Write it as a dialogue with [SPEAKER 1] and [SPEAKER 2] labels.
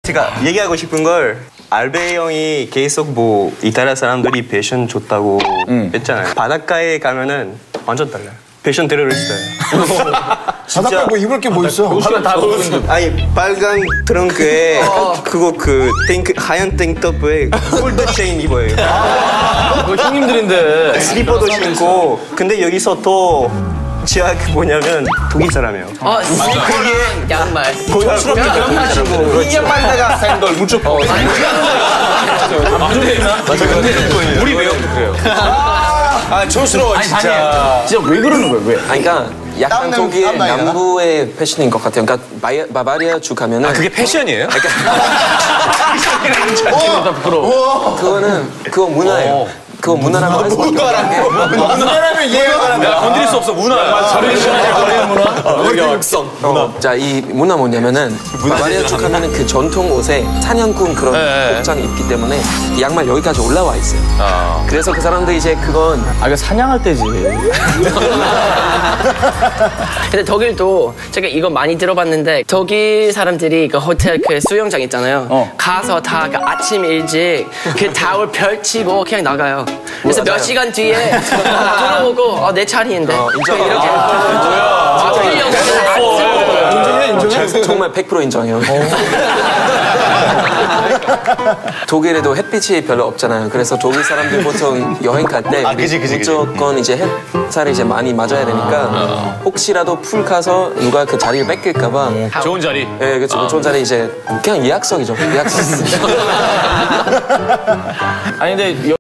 [SPEAKER 1] 제가 얘기하고 싶은 걸 알베 형이 계속 뭐 이탈리아 사람들이 패션 좋다고 했잖아요. 바닷가에 가면은 완전 달라요. 패션 테러리스트예요.
[SPEAKER 2] 바닷가 뭐 입을 게 뭐 있어?
[SPEAKER 3] 하면 다 보는
[SPEAKER 1] 아니 빨간 트렁크에 그거 그 탱크 하얀 탱크톱에 골드 체인 입어요.
[SPEAKER 3] 그거 형님들인데.
[SPEAKER 1] 슬리퍼도 신고. 근데 여기서 또 제가 그 뭐냐면 독일 사람이에요.
[SPEAKER 4] 그게 양말.
[SPEAKER 1] 고급스럽게 양말 신고.
[SPEAKER 3] 이 양말에다가 샌들 무조건. 맞아. 우리 외형도 그래요. 아 촌스러워 진짜.
[SPEAKER 5] 진짜 왜 그러는 거예요? 왜?
[SPEAKER 6] 아니, 그러니까 약간 독일
[SPEAKER 2] 땀나게 나나?
[SPEAKER 6] 남부의 패션인 것 같아요. 그러니까 바바리아 주 가면은
[SPEAKER 3] 그게 패션이에요?
[SPEAKER 6] 그거는 그거 문화예요. 그거 문화라고 할 수 없는 게
[SPEAKER 2] 문화라면 이해가 가는데.
[SPEAKER 3] 건드릴 수 없어 문화. 자리는 문화.
[SPEAKER 6] 자, 이 문화 뭐냐면은 바바리아 쪽 하면은 그 전통 옷에 사냥꾼 그런 복장이 입기 때문에 이 양말 여기까지 올라와 있어요. 그래서 그 사람들이 이제 그건
[SPEAKER 5] 이거 사냥할 때지.
[SPEAKER 4] 근데 독일도 제가 이거 많이 들어봤는데 독일 사람들이 그 호텔 그 수영장 있잖아요. 가서 다 그 아침 일찍 그 타월 펼치고 그냥 나가요. 그래서 몇 시간 뒤에 들어오고 내 차례인데 이렇게
[SPEAKER 2] 인정해?
[SPEAKER 6] 정말 100% 인정해요. 독일에도 햇빛이 별로 없잖아요. 그래서 독일 사람들 보통 여행 갈 때 무조건 이제 햇살이 이제 많이 맞아야 되니까 혹시라도 풀 가서 누가 그 자리를 뺏길까봐
[SPEAKER 3] 좋은 자리.
[SPEAKER 6] 네, 그렇죠. 좋은 자리 이제 그냥 예약석이죠. 예약석.
[SPEAKER 5] 아니 근데